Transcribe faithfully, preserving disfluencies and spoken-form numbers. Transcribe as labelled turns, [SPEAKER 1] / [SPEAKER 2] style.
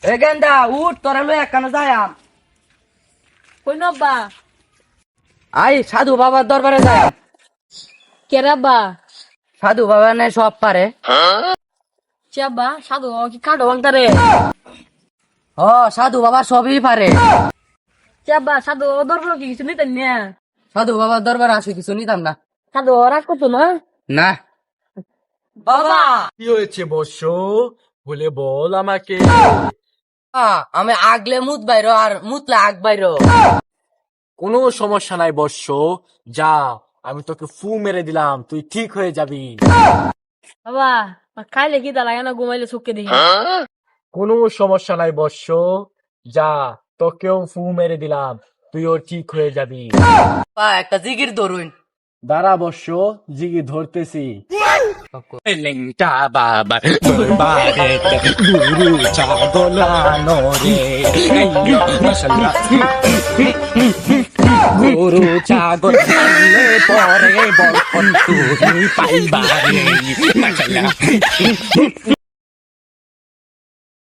[SPEAKER 1] এ গেন্দা উঠ তোরা লই একখানে যায়াম।
[SPEAKER 2] কই নব্বা
[SPEAKER 1] আই সাধু বাবার দরবারে যায়াম।
[SPEAKER 2] কেরাব্বা
[SPEAKER 1] সাধু বাবা নাই সব পারে।
[SPEAKER 2] চাব্বা সাধু বাবা কি কাটো বাংতারে
[SPEAKER 1] ও সাধু বাবা সবই পারে।
[SPEAKER 2] চাব্বা সাধু বাবা দরবার কি কিছু নিতেন না
[SPEAKER 1] সাধু বাবার দরবারে আসে কিছু নিতাম না।
[SPEAKER 2] সাধু বাবা রাগ করতো না
[SPEAKER 1] না বাবা
[SPEAKER 3] কি হয়েছে বর্ষ? বলে বল আমাকে।
[SPEAKER 1] আমি আগলে মুত বাইরো আর মুতলে আগ বাইরো।
[SPEAKER 3] কোনো সমস্যা নাই বর্ষ, যা আমি তোকে ফু মেরে দিলাম, তুই ঠিক হয়ে যাবি।
[SPEAKER 2] বাবা খাইলে কি তা লাগে না ঘুমাইলে চোখকে দেখি
[SPEAKER 3] কোনো সমস্যা নাই বর্ষ, যা তোকেও ফু মেরে দিলাম, তুইও ঠিক হয়ে যাবি।
[SPEAKER 1] পা একটা জিগির ধরুন।
[SPEAKER 3] দাঁড়া বর্ষ, জিগি ধরতেছি।
[SPEAKER 4] লেংটা বাবার দরবারেতে গুরু চাগলানো রে মাশাআল্লাহ গুরু চাগল আনলে পরে বরকত তুমি পাইবা রে মাশাআল্লাহ।